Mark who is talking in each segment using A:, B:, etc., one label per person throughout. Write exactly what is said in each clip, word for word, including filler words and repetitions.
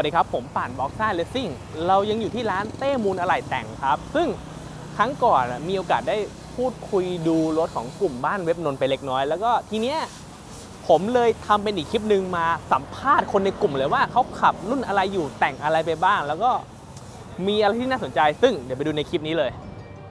A: วัสดีครับผมป่านบ็อกซ่าเลสซิ่งเรายังอยู่ที่ร้านเต้มูลอะไหล่แต่งครับซึ่งครั้งก่อนมีโอกาสได้พูดคุยดูรถของกลุ่มบ้านเว็บนนท์ไปเล็กน้อยแล้วก็ทีเนี้ยผมเลยทำเป็นอีกคลิปหนึ่งมาสัมภาษณ์คนในกลุ่มเลยว่าเขาขับรุ่นอะไรอยู่แต่งอะไรไปบ้างแล้วก็มีอะไรที่น่าสนใจซึ่งเดี๋ยวไปดูในคลิปนี้เลย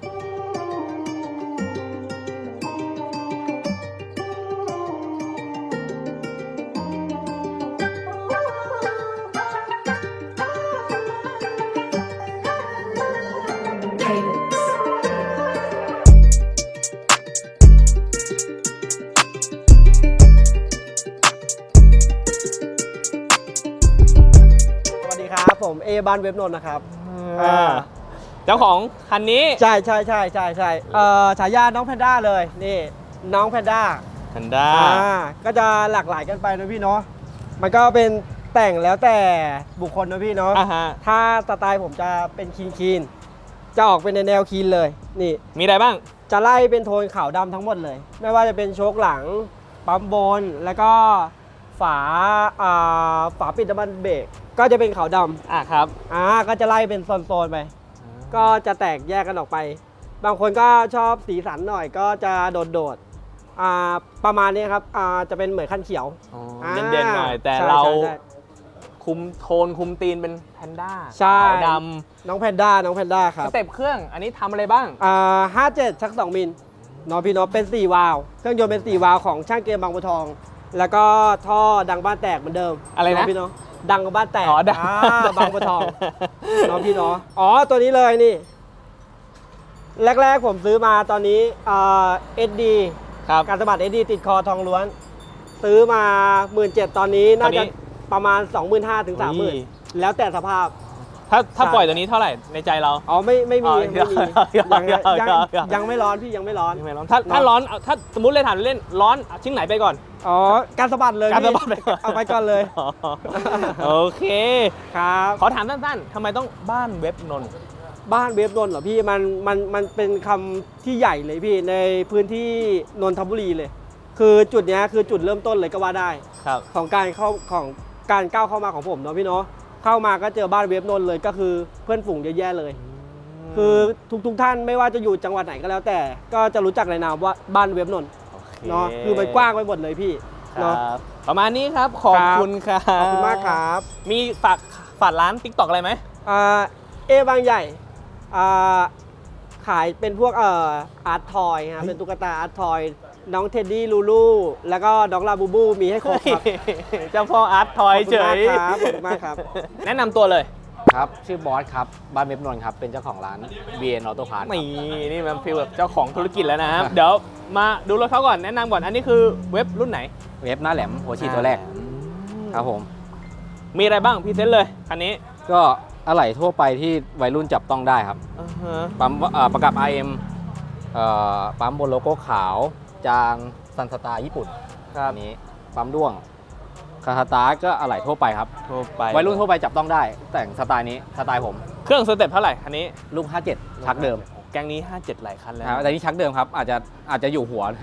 B: ครับผมเอบ้านเว็บนนท์นะครับ
A: เจ้าของคันนี้
B: ใช่ใช่ใช่ใช่ใช่เอ่อฉายาน้องแพนด้าเลยนี่น้องแพนด้า
A: แพนด้า
B: ก็จะหลากหลายกันไปนะพี่เนาะมันก็เป็นแต่งแล้วแต่บุคคลนะพี่เนาะถ้าสไตล์ผมจะเป็นคีนคีนจะออกเป็นในแนวคีนเลยนี่
A: มีอะไรบ้าง
B: จะไล่เป็นโทนขาวดำทั้งหมดเลยไม่ว่าจะเป็นโชคหลังปั๊มบนแล้วก็ฝาอ่าฝาปิดน้ำมันเบรกก็จะเป็นขาวดำ
A: อ่ะครับ
B: อ่าก็จะไล่เป็นโซนๆไปก็จะแตกแยกกันออกไปบางคนก็ชอบสีสันหน่อยก็จะโดดๆอ่าประมาณนี้ครับอ่าจะเป็นเหมือนคันเขียว
A: เด่นๆหน่อยแต่เราคุมโทนคุมตีนเป็นแพนด้า
B: ขาว
A: ด
B: ำน้องแพนด้าน้องแพนด้าครับ
A: สเต็ปเครื่องอันนี้ทำอะไรบ้าง
B: อ่าห้าเจ็ดชักสองมิลน้องพี่น้องเป็นสี่วาล์วเครื่องยนต์เป็นสี่วาล์วของช่างเกมบางบัวทองแล้วก็ท่อดังบ้านแตกเหมือนเดิม
A: อะไรนะ
B: พี่น้องดังกับบ้านแตก
A: อ๋อดัง
B: บางบัวทองน้องพี่น้องอ๋อตัวนี้เลยนี่แรกๆผมซื้อมาตอนนี้เอสดีการสะบัด เอส ดี ติดคอทองล้วนซื้อมา หนึ่งหมื่นเจ็ดพัน ตอนนี้น่าจะประมาณ สองหมื่นห้าพัน ถึง สามหมื่น แล้วแต่สภาพ
A: ถ้าถ้าปล่อยตัวนี้เท่าไหร่ในใจเรา
B: อ๋อไม่ไม่มีไม่มียังยังไม่ร้อนพี่ยังไม่ร้อน
A: ถ้าถ้าร้อนถ้าสมมติเลยถามเล่นร้อนชิ้นไหนไปก่อน
B: อ๋อการสะบัดเลย
A: การสะบัด
B: เอาไปก่อนเลย
A: โอเค
B: ครับ
A: ขอถามสั้นๆทำไมต้องบ้านเว็บนนท์
B: บ้านเว็บนนท์เหรอพี่มันมันมันเป็นคำที่ใหญ่เลยพี่ในพื้นที่นนทบุรีเลยคือจุดนี้คือจุดเริ่มต้นเลยก็ว่าได้ของการเข้าของการก้าวเข้ามาของผมเนาะพี่เนาะเข้ามาก็เจอบ้านเว็บนนท์เลยก็คือเพื่อนฝูงเยอะแยะเลยคือทุกๆท่านไม่ว่าจะอยู่จังหวัดไหนก็แล้วแต่ก็จะรู้จักในนามว่าบ้านเว็บนนท์เนาะคือมันกว้างไปหมดเลยพี่เนาะ
A: ประมาณนี้ครับขอบคุณครับ
B: ขอบคุณมากครับ
A: มีฝากฝากร้าน ติ๊กต็อก อะไรไหม
B: อ่าเอบางใหญ่อ่าขายเป็นพวกเอ่ออาร์ตทอยครับเป็นตุ๊กตาอาร์ตทอยน้องเท็ดดี้ลูลูแล้วก็น้องลาบูบูมีให้ครบครับ
A: เจ้าพ่ออาร์ตทอยเฉย
B: ขอบคุณมากครับ
A: แนะนำตัวเลย
C: ครับชื่อบอสครับบ้านเว็บนนท์ครับเป็นเจ้าของร้าน บี เอ็น Auto Parts
A: นี่นี่มันฟีลแบบเจ้าของธุรกิจแล้วนะครับเดี๋ยวมาดูรถเขาก่อนแนะนำก่อนอันนี้คือเว็บรุ่นไหน
C: เว็บหน้าแหลมหัวฉีดตัวแรกครับผม
A: มีอะไรบ้างพรีเซนต์เลยคันนี้
C: ก็อะไหล่ทั่วไปที่วัยรุ่นจับต้องได้ครับปั๊มประกับ อาร์ เอ็ม ปั๊มบนโลโก้ขาวจางซันสตาร์ญี่ปุ่นอันนี้ปั๊มด้วงคาสตาร์ก็อะไหล่ทั่วไปครับ
A: ทั่วไป
C: วัยรุ่นทั่วไปจับต้องได้แต่งสไตล์นี้สไตล์ผม
A: เครื่องสเต็ปเท่าไหร่คันนี้
C: ลูกห้าเจ็ดชักเดิม
A: แกงนี้ห้าเจ็ดหลายคันแล้ว
C: แต่นี่ชักเดิมครับอาจจะอาจจะอยู่หัว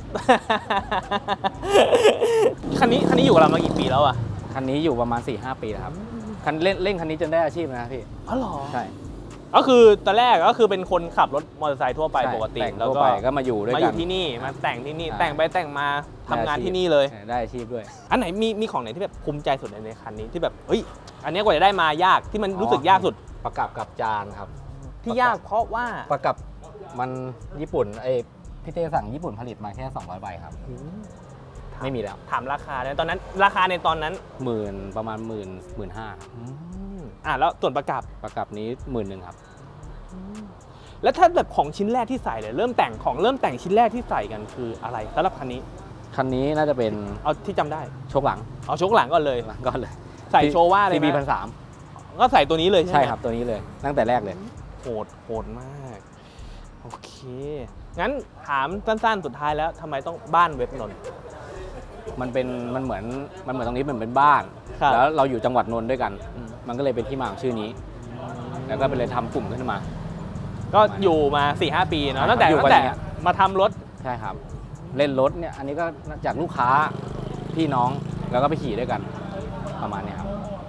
A: คันนี้คันนี้อยู่กับเรามากี่ปีแล้วอ่ะ
C: คันนี้อยู่ประมาณ สี่ห้า ปีแล้วครับคันเล่นเล่นคันนี้จนได้อาชีพนะพี่
A: อ๋อเหรอ
C: ใช่
A: ก็คือตอนแรกก็คือเป็นคนขับรถมอเตอร์ไซค์ทั่วไปปกติ
C: แล้วก็ก็มาอยู่ด้วยกัน
A: มาอยู่ที่นี่มาแต่งที่นี่แต่งไปแต่งมาทำงานที่นี่เลย
C: ได้อาชีพด้วย
A: อันไหนมีมีของไหนที่แบบภูมิใจสุดในคันนี้ที่แบบเฮ้ยอันนี้กว่าจะได้มายากที่มันรู้สึกยากสุด
C: ประกับกับจานครับ
A: ที่ยากเพราะว่า
C: ประกับมันญี่ปุ่นไอพี่เต้สั่งญี่ปุ่นผลิตมาแค่สองร้อยใบครับไม่มีแล้ว
A: ถามราคาในตอนนั้นราคาในตอนนั้น
C: หมื่นประมาณหมื่นหมื่นห้า
A: อ่าแล้วส่วนประกับ
C: ประกับนี้หมื่นหนึ่งครับ
A: แล้วถ้าแบบของชิ้นแรกที่ใส่เลยเริ่มแต่งของเริ่มแต่งชิ้นแรกที่ใส่กันคืออะไรสำหรับคันนี้
C: คันนี้น่าจะเป็น
A: เอาที่จำได้
C: โชคหลัง
A: เอาโชคหลังก่อนเลย
C: ก่อนเลย
A: ใส่โชว่าเลย
C: ซี บี พันสาม
A: ก็ใส่ตัวนี้เลยใช่ไหม
C: ใช่ครับตัวนี้เลยตั้งแต่แรกเลย
A: โหดโหดมากโอเคงั้นถามสั้นๆสุดท้ายแล้วทำไมต้องบ้านเว็บนนท์
C: มันเป็นมันเหมือนมันเหมือนตรงนี้มันเป็นบ้านแล้วเราอยู่จังหวัดนนท์ด้วยกันมันก็เลยเป็นที่มาของชื่อนี้แล้วก็เป็นเลยทำกลุ่มขึ้นมา
A: ก็อยู่มา สี่ห้า ปีเนาะตั้งแต่ตั้งแต่มาทำรถ
C: ใช่ครับเล่นรถเนี่ยอันนี้ก็จากลูกค้าพี่น้องแล้วก็ไปขี่ด้วยกันประมาณนี้ครับ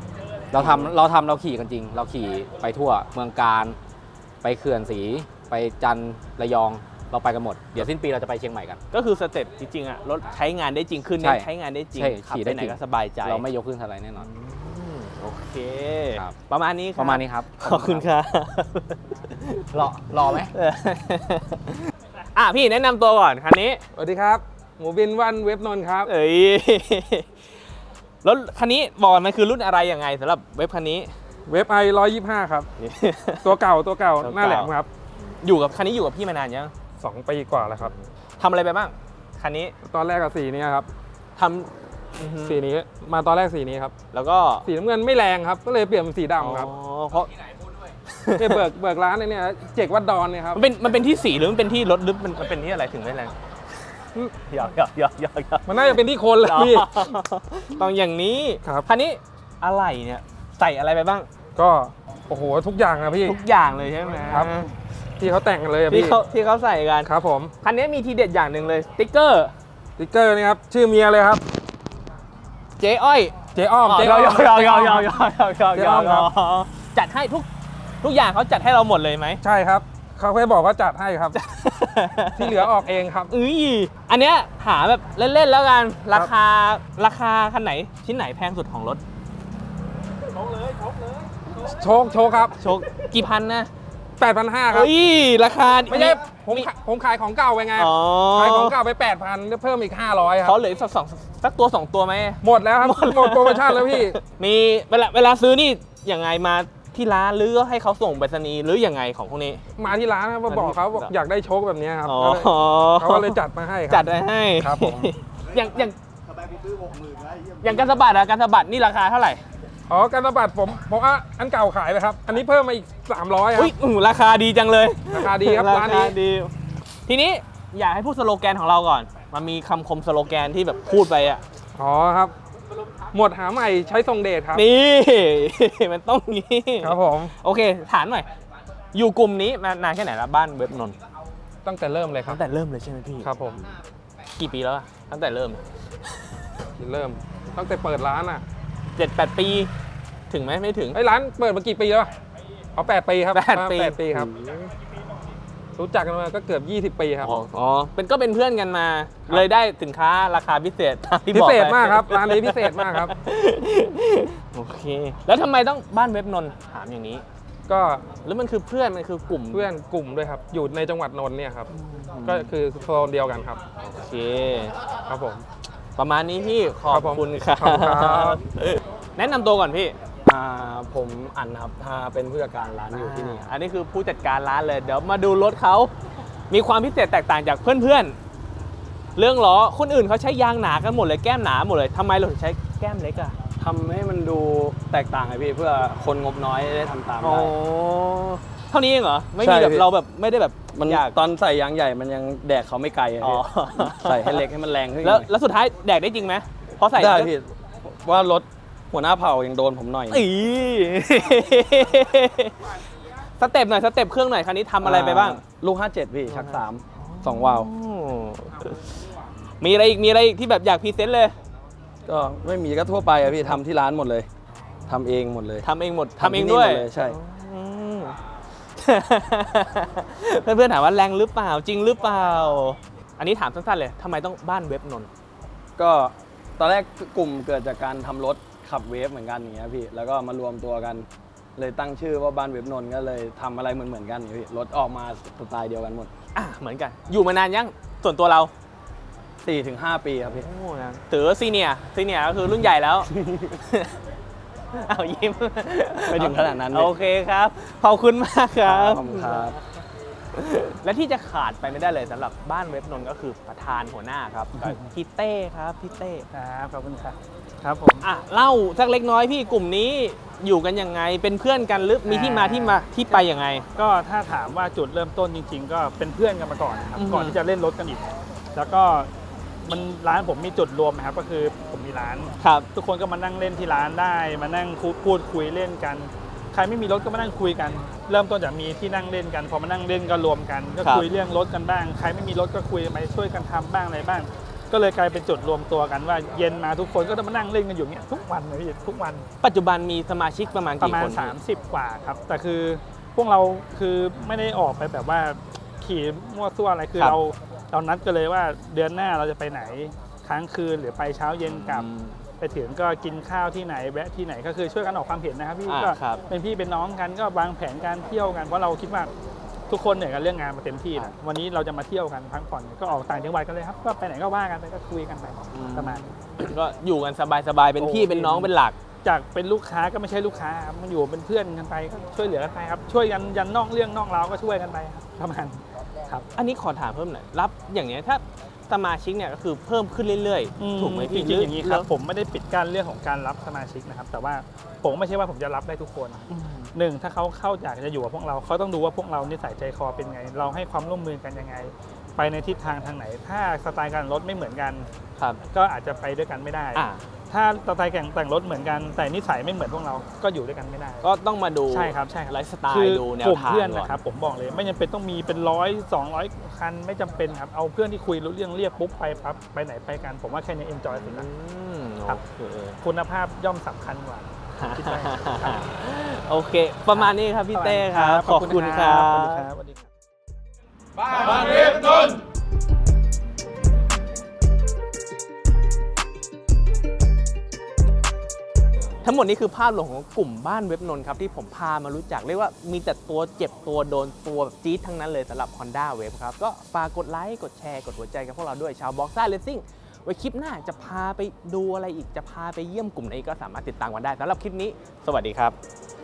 C: เราทำเราทำเราขี่กันจริง เราขี่ไปทั่วเมืองการไปเขื่อนศรีไปจันทร์ระยองเราไปกันหมดเดี๋ยวสิ้นปีเราจะไปเชียงใหม่กัน
A: ก็คือสเต็ปจริงๆอะรถใช้งานได้จริงขึ้น
C: ใช่
A: เนี่ยใช้งานได้จริง
C: ใช่
A: ขับ
C: ขี่
A: ไป
C: ได้
A: ไหน
C: จริง
A: ก็สบายใจ
C: เราไม่ยกขึ้นสไลด์แน่นอน
A: อืมโอเค
C: ครับ
A: ประมาณนี้คบ
C: ประมาณนี้ครับ
A: ขอบคุณครับ
C: รอรอไหม
A: เอออ่ะพี่แนะนำตัวก่อนคันนี้
D: สวัสดีครับ หมูบินวันเว็บนนท์ครับ
A: เอ้ยรถคันนี้บอกมันคือรุ่นอะไรยังไงสำหรับเว็บคันนี้
D: เว็บไอร้อยยี่ห้าครับ ตัวเก่าตัวเก่า
A: ตัวเก่า
D: หน้าแหลมครับ
A: อยู่กับคันนี้อยู่กับพี่มานานยัง
D: สองปีกว่าแล้วครับ
A: ทำอะไรไปบ้างคันนี้
D: ตอนแรกกับสีนี้ครับ
A: ทำอือฮึ
D: สีนี้มาตอนแรกสีนี้ครับ
A: แล้วก็
D: สีน้ำเงินไม่แรงครับ ก็เลยเปลี่ยนเป็นสีดำครับ
A: อ๋อเพราะ
D: เนี่ยเบิกเบิกร้านไอ้เนี่ยเจกวัดดอนเนี่ยครับ
A: มันเป็นมันเป็นที่สีหรือมันเป็นที่รถหรือมันมันเป็นที่อะไรถึงไม่แรงหยอกหยอกหยอกหยอกหยอก
D: มันน่าจะเป็นที่คนแหละพี่
A: ต้องอย่างนี้
D: ครับ
A: คันนี้อะไรเนี่ยใส่อะไรไปบ้าง
D: ก็โอ้โหทุกอย่างนะพี่
A: ทุกอย่างเลยใช่ไหม
D: ครับ ที่เขาแต่งกันเลยอะ
A: ที่
D: พี่
A: เขาที่เขาใส่กัน
D: ครับผม
A: คันนี้มีทีเด็ดอย่างหนึ่งเลยสติ๊กเกอร์
D: สติ๊กเกอร์นี่ครับชื่อเมียเลยครับ
A: เจ๊อ้อย
D: เจ๊อ้อม
A: ย
D: เจ๊
A: ย
D: อ้อม
A: ยยยยยย
D: เจ๊อ้อมครับ
A: จัดให้ทุกทุกอย่างเขาจัดให้เราหมดเลยไหม
D: ใช่ครับเขาแค่บอกว่าจัดให้ครับ ที่เหลือออกเองครับ
A: อุ้ยอันเนี้ยหาแบบเล่นๆแล้วกันราคาราคาคันไหนชิ้นไหนแพงสุดของรถ
D: โชคโชคครับ
A: โชคกี่พันนะ
D: แปดพันห้าครับ
A: เฮ้ยราคา
D: ไม่ใช่ผมขายผมขายของเก่าไปไง
A: อ๋อ
D: ขายของเก่าไป แปดพันเพิ่มอีก ห้าร้อย ครั
A: เขา
D: บ
A: เหลือสักสองสักตัวสองตัวไหม
D: หมดแล้วครับ หมดโปรโมชั่นแล้วพี่
A: มีเวลาเวลาซื้อนี่ยังไงมาที่ร้านหรือให้เขาส่งไปรษณีย์หรือยังไงของพวกนี้
D: มาที่ร้านครับมาบอกเขาบอกอยากได้โชคแบบนี้ครับ
A: อ๋อ
D: เขาก็เลยจัดมาให้ค
A: จั
D: รั
A: ดไว้ให้
D: ครับผม
A: อย่างอย่างอย่างการสะบัดอะการสะบัดนี่ราคาเท่าไหร่
D: อ๋อการระบาดผมผมอ่ะอันเก่าขายไปครับ อันนี้เพิ่มมาอีก สามร้อยครั
A: อุ้
D: บ
A: ยอื้อราคาดีจังเลย
D: ราคาดีครับร้านนี้
A: ดี ทีนี้อยากให้พูดสโลแกนของเราก่อน มันมีคำคมสโลแกนที่แบบพูดไปอะ
D: อ๋อครับ หมดหาใหม่ใช้ทรงเดชครับ
A: นี่ มันต้องงี้
D: ครับผม
A: โอเค ถามหน่อย อยู่กลุ่มนี้มานานแค่ไหนแล้วบ้านเว็บนนท์
D: ตั้งแต่เริ่มเลยครับ
A: ตั้งแต่เริ่มเลยใช่ไหมพี่
D: ครับผม
A: กี่ปีแล้วอะตั้งแต่เริ่ม
D: เริ่มตั้งแต่เปิดร้านอ่ะ
A: เจ็ดแปดปี ถึงไหมไม่ถึง
D: ไอ้ยร้านเปิดมากี่ปีแล้วอะอ๋อแปดปีครับ
A: แปดปี
D: แปดปีครับ รู้จักกันมาก็เกือบยี่สิบปีครับ
A: อ๋ออ๋อเป็นก็เป็นเพื่อนกันมา เลยได้สินค้าราคาพิเศษตามที่
D: พิ
A: บอก
D: เศษ
A: ไป
D: มากครับร้านนี้พิเศษมากครับ
A: โอเค แล้วทำไมต้องบ้านเว็บนนท์ถามอย่างนี้
D: ก็
A: แล้วมันคือเพื่อนมันคือกลุ่ม
D: เพื่อนกลุ่มด้วยครับ อยู่ในจังหวัดนนท์เนี่ยครับ ก็คือโซนเดียวกันครับ
A: โอเค
D: ครับผม
A: ประมาณนี้พี่ขอ
D: ครับ บผม
A: คุณครับ
D: ขอบคุณครับ
A: แนะนำตัวก่อนพี่
E: อ่าผมอันครับอ่าเป็นผู้จัดการร้านอยู่ที่นี่ครับ
A: อันนี้คือผู้จัดการร้านเลย เดี๋ยวมาดูรถเขามีความพิเศษแตกต่างจากเพื่อนๆ เรื่องล้อคนอื่นเขาใช้ยางหนากันหมดเลยแก้มหนาหมดเลยทำไมเราถึงใช้แก้มเล็กอ่ะ
E: ทำให้มันดูแตกต่างไงพี่เพื่อคนงบน้อยได้ทำตาม
A: อ๋อ
E: ได้
A: เท่านี้เองเหรอ ไม่
E: ใช่
A: มีแบบ
E: พี่
A: เราแบบไม่ได้แบบ
E: มัน
A: อยาก
E: ตอนใส่ยางใหญ่มันยังแดกเขาไม่ไกลอะ
A: อ๋อ
E: พี่ใส่ให้เล็กให้มันแรงขึ้น
A: แล้ว
E: หน่อย
A: แล้วสุดท้ายแดกได้จริงไหมเพราะใส่
E: ได้พี่ว่ารถหัวหน้าเผ่ายังโดนผมหน่อย
A: อี สเต็ปหน่อยสเต็ปเครื่องหน่อยคันนี้ทำอะไรไปบ้าง
E: ลูกห้าเจ็ดพี่ชักสามสองวาล์ว
A: มีอะไรอีกมีอะไรอีกที่แบบอยากพรีเซนต์เลย
E: ก็ไม่มีก็ทั่วไปอะพี่ทำที่ร้านหมดเลยทำเองหมดเลย
A: ทำเองหมดทำ
E: ทำ
A: เอง
E: ที่นี่
A: ด้วย
E: หมดเลยใช่
A: อืม เพื่อนๆถามว่าแรงหรือเปล่าจริงหรือเปล่า อันนี้ถามสั้นๆเลยทำไมต้องบ้านเว็บนนท์
E: ก็ตอนแรกกลุ่มเกิดจากการทำรถขับเวฟเหมือนกันอย่างเงี้ยพี่แล้วก็มารวมตัวกัน เลยตั้งชื่อว่าบ้านเว็บนนท์ก็เลยทำอะไรเหมือนเหมือนๆกันอย่างเงี้ยพี่รถออกมาสไตล์เดียวกันหมด
A: อ่ะเหมือนกัน อยู่มานานยังส่วนตัวเรา
E: สี่ถึงห้า ปีครับพี่
A: โอ้นะถือว่าซีเนียร์ซีเนียร์ก็คือรุ่นใหญ่แล้ว เอายิ้ม
E: ไม่ถึงขนาดนั้นเลย
A: โอเคครับ ขอบคุณมากครับ
E: ขอบคุณครับ
A: และที่จะขาดไปไม่ได้เลยสำหรับบ้านเว็บนนท์ก็คือประธานหัวหน้าครับก็พี่เต้ครับพี่เต้
F: ครับขอบคุณครับครับผม
A: อ่ะเล่าสักเล็กน้อยพี่กลุ่มนี้อยู่กันยังไงเป็นเพื่อนกันหรือมีที่มาที่มาที่ไปยังไง
F: ก็ถ้าถามว่าจุดเริ่มต้นจริง ๆ ก็เป็นเพื่อนกันมาก่อนนะครับ
A: อือฮึ
F: ก่อนที่จะเล่นรถกันอีก แล้วก็มันร้านผมมีจุดรวมนะครับก็คือผมมีร้าน
A: ครับ
F: ทุกคนก็มานั่งเล่นที่ร้านได้ มานั่งคุพูดคุยเล่นกัน ใครไม่มีรถก็มานั่งคุยกัน เริ่มต้นจากมีที่นั่งเล่นกัน พอมานั่งเล่นก็รวมกัน ก็คุยเรื่องรถกันบ้าง ใครไม่มีรถก็คุยไปช่วยกันทำบ้างอะไรบ้างก็เลยกลายเป็นจุดรวมตัวกันว่าเย็นมาทุกคนก็จะมานั่งเล่นกันอยู่เนี้ยทุกวันเลยพี่ทุกวัน
A: ปัจจุบันมีสมาชิกประมาณ
F: ประ
A: กี่
F: มา
A: ค
F: ณ
A: น
F: สามสิบกว่าครับแต่คือพวกเราคือไม่ได้ออกไปแบบว่าขี่มั่วซั่วอะไรคือเราเรานัดกันเลยว่าเดือนหน้าเราจะไปไหนค้างคืนหรือไปเช้าเย็นกลับ ไปถึงก็กินข้าวที่ไหนแวะที่ไหนก็คือช่วยกันออกความเห็นนะครับพี่
A: อ่า
F: ก็
A: ครับ
F: เป็นพี่เป็นน้องกันก็วางแผนการเที่ยวกันเพราะเราคิดว่าทุกคนเหนื่อยกันเรื่องงานมาเต็มที่นะวันนี้เราจะมาเที่ยวกันพักผ่อนก็ออกต่างจังหวัดกันเลยครับก็ไปไหนก็ว่ากันไปก็คุยกันไปประมาณนี้
A: ก็อยู่กันสบายๆเป็นพี่
F: โอ้
A: เป็นน้องเป็นหลัก
F: จากเป็นลูกค้าก็ไม่ใช่ลูกค้าครับมันอยู่เป็นเพื่อนกันไปก็ช่วยเหลือกันไปครับช่วยกันยันนอกเรื่องนอกราวก็ช่วยกันไปครับประมาณครับ
A: อันนี้ขอถามเพิ่มหน่อยรับอย่างเนี้ยถ้าสมาชิกเนี่ยก็คือเพิ่มขึ้นเรื่อยๆ ถูกไหม
F: จ
A: พี่
F: ริงๆอย่างนี้ครับ
A: ห
F: ผมไม่ได้ปิดกั้นเรื่องของการรับสมาชิกนะครับแต่ว่าผมไม่ใช่ว่าผมจะรับได้ทุกคนหนึ่งถ้าเขาเข้าอยากจะอยู่กับพวกเราเขาต้องดูว่าพวกเรานิสัยใจคอเป็นไง เราให้ความร่วมมือกันยังไง ไปในทิศทางทางไหน ถ้าสไตล์การรถไม่เหมือนกัน
A: ครับ
F: ก็อาจจะไปด้วยกันไม่ได้
A: อ่า
F: ถ้าสไตล์แต่งแต่งรถเหมือนกันแต่นิสัยไม่เหมือนพวกเราก็อยู่ด้วยกันไม่ได้
A: ก็ต้องมาดู
F: ใช่ครับใช่ครับ
A: ไลฟ์สไต
F: คื
A: ล์ดูแน
F: ก
A: ว
F: ลุ่ม
A: ทาง
F: เพื่อน
A: ก่อน
F: นะครับผมบอกเลยไม่จำเป็นต้องมีเป็นร้อยสองร้อยคันไม่จำเป็นครับเอาเพื่อนที่คุยรู้เรื่องเรียกปุ๊บไปปั๊บไปไหนไปกัน ผมว่าแค่นี้เอนจอยสุด
A: อื
F: ละ
A: ม
F: ครับ
A: โอเค
F: คุณภาพย่อมสำคัญกว่า คิดไปครับ
A: โอเค ประมาณนี้ครับพี่เต้ครับ ขอบคุณครั
F: ขอบคุณ
A: บ
F: ครับสวัสดีครับ
D: บ้านเว็บนนท์
A: ทั้งหมดนี้คือภาพรวมของกลุ่มบ้านเว็บนนท์ครับที่ผมพามารู้จักเรียกว่ามีแต่ตัวเจ็บตัวโดนตัวแบบจี๊ดทั้งนั้นเลยสำหรับ Honda Wave ครับ ก็ฝากกดไลค์กดแชร์กดหัวใจกับพวกเราด้วยชาวบ็อกซ่าเลสซิ่งไว้คลิปหน้าจะพาไปดูอะไรอีกจะพาไปเยี่ยมกลุ่มไหนก็สามารถติดตามกันได้สำหรับคลิปนี้ สวัสดีครับ